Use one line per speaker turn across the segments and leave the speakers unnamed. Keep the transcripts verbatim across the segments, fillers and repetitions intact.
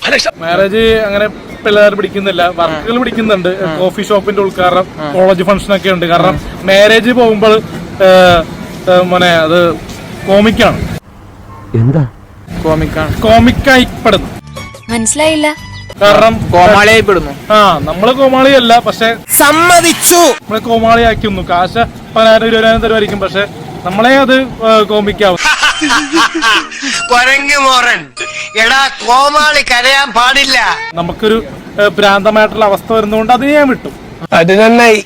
Marriage അങ്ങനെ പിള്ളേർ പിടിക്കുന്നില്ല, വർക്കുകൾ പിടിക്കുന്നുണ്ട്. കോഫി ഷോപ്പിന്റെ ഉദ്ഘാടനം, കോളേജ് ഫംഗ്ഷൻ ഒക്കെ ഉണ്ട്. കാരണം മാരേജ് പോകുമ്പോൾ മോനെ അത് കോമിക്കാണ്.
എന്താ
കോമിക്കാണ്?
കോമിക്കായിപ്പെടുന്നു.
മനസ്സിലായില്ല.
കാരണം
കോമാളിയായി പെടുന്നു.
ആ നമ്മള് കോമാളിയല്ല, പക്ഷെ
സമ്മതിച്ചു.
നമ്മളെ കോമാളിയാക്കുന്നു. കാശ് പതിനായിരം ഇരുപതിനായിരം തരുമായിരിക്കും, പക്ഷെ നമ്മളെ അത് കോമിക്കാവും.
എടാ കോമാളി കരയാൻ പാടില്ല.
നമുക്കൊരു ഭ്രാന്തമായിട്ടുള്ള അവസ്ഥ വരുന്നതുകൊണ്ട് അത് ഞാൻ വിട്ടു.
അത് നന്നായി,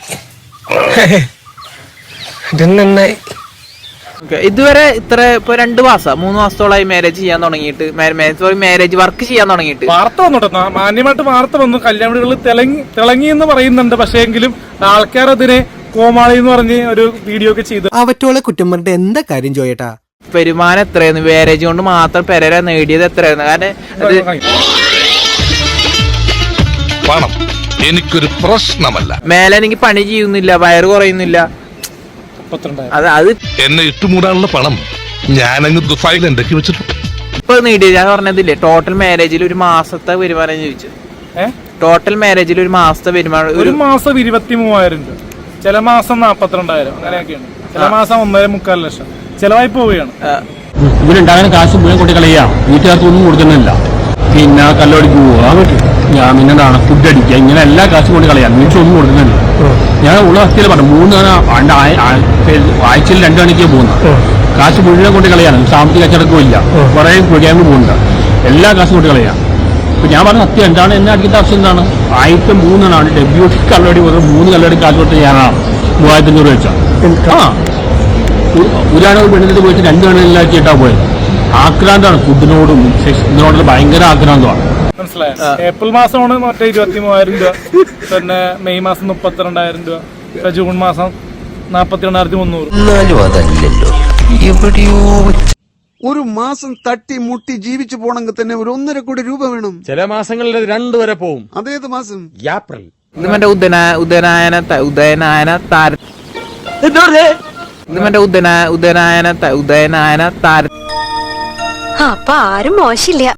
അത് നന്നായി.
ഇതുവരെ ഇത്ര ഇപ്പൊ രണ്ടു മാസം മൂന്ന് മാസത്തോളമായി മാരേജ് ചെയ്യാൻ തുടങ്ങിയിട്ട്, മാരേജ് വർക്ക് ചെയ്യാൻ തുടങ്ങിയിട്ട്.
വാർത്ത വന്നോട്ടെ, മാന്യമായിട്ട് വാർത്ത വന്നു. കല്യാണ വീടുകളിൽ തിളങ്ങി തിളങ്ങി എന്ന് പറയുന്നുണ്ട്. പക്ഷേ എങ്കിലും ആൾക്കാർ അതിനെ കോമാളി എന്ന് പറഞ്ഞ് ഒരു വീഡിയോ ഒക്കെ ചെയ്തു.
അവറ്റോളെ കുറ്റം പറഞ്ഞിട്ട് എന്താ കാര്യം ചോയേട്ടാ?
വരുമാനം എത്രയായിരുന്നു മാരേജ് കൊണ്ട് മാത്രം പെരേര നേടിയത് എത്രയായിരുന്നു? കാരണം അത്
പണം എനിക്കൊരു പ്രശ്നമല്ല.
മേലെ എനിക്ക് പണി ചെയ്യുന്നില്ല, വയറ് കുറയുന്നില്ല. അത് അത്
എന്നെ ഇട്ടുമൂടാനുള്ള പണം ഞാനങ്ങ് ദുഫായിൽ ഉണ്ടാക്കി വെച്ചിട്ടുണ്ട്.
ഇപ്പൊ നേടിയത് ഞാൻ പറഞ്ഞതില്ലേ, ടോട്ടൽ മാരേജിൽ ഒരു മാസത്തെ വരുമാനം ചോദിച്ചു. ടോട്ടൽ മാരേജിൽ ഒരു മാസത്തെ വരുമാനം
ഒരു മാസം ഇരുപത്തി മൂവായിരം രൂപ, ചില മാസം നാപ്പത്തിരണ്ടായിരം, അങ്ങനെയൊക്കെയാണ്. ചില മാസം ഒന്നര മുക്കാൽ ലക്ഷം ചെലവായി പോവുകയാണ്.
ഇവരുണ്ടാകുന്ന കാശ് മുഴുവൻ കൊട്ടി കളയാം, വീട്ടുകാർക്ക് ഒന്നും കൊടുക്കുന്നില്ല. പിന്നെ കല്ലോടിക്ക് പോവുക, ഞാൻ പിന്നെന്താണ് ഫുഡ് അടിക്കുക, ഇങ്ങനെ എല്ലാ കാശും കൊണ്ട് കളയാം, വീട്ടിലൊന്നും കൊടുക്കുന്നില്ല. ഞാൻ ഉള്ള അവസ്ഥയിൽ പറഞ്ഞു, മൂന്ന് ആഴ്ചയിൽ രണ്ടു മണിക്കേ പോകുന്നത്, കാശ് മുഴുവൻ കൊണ്ട് കളയാണ്. സാമ്പത്തിക കച്ചടക്കവും ഇല്ല, കുറേ കുഴിയാകുമ്പോൾ പോകുന്നുണ്ട്, എല്ലാ കാശും കൊണ്ട് കളയാം. അപ്പൊ ഞാൻ പറഞ്ഞ സത്യം എന്താണ്, എന്നെ അടിക്കേണ്ട ആവശ്യം എന്താണ്? ആയിരത്തി മൂന്നെണ്ണാണ് ഡെബ്യൂട്ടി കല്ലടി പോകുന്നത്, മൂന്ന് കല്ലടി കാശ് കൊടുത്ത് ഞാനാണ് മൂവായിരത്തി അഞ്ഞൂറ് വെച്ചാൽ. ആ ഒരാളെ പെണ്ണിട്ട് പോയിട്ട് രണ്ട് പെണ്ണിലാക്കിയിട്ടാ പോയത്. ആക്രാന്താണ് ഫുഡിനോടും സെക്സിനോടും ഭയങ്കര ആക്രാന്തമാണ്.
മനസ്സിലായോ? ഏപ്രിൽ മാസമാണ് മറ്റേ ഇരുപത്തി മൂവായിരം രൂപ, പിന്നെ മെയ് മാസം മുപ്പത്തിരണ്ടായിരം രൂപ, ജൂൺ മാസം നാപ്പത്തി രണ്ടായിരത്തി മുന്നൂറ്.
ഒരു മാസം തട്ടി മുട്ടി ജീവിച്ചു പോണെങ്കിൽ തന്നെ ഒരു ഒന്നര കോടി രൂപ വേണം.
ചില മാസങ്ങളിൽ രണ്ടു വരെ പോവും.
അതേത് മാസം?
ഏപ്രിൽ.
ഇത് മറ്റേ ഉദന ഉദനായന ഉദയനായന താര ഇത് മറ്റേ ഉദന ഉദനായന ഉദയനായന താര.
അപ്പൊ ആരും മോശമില്ല.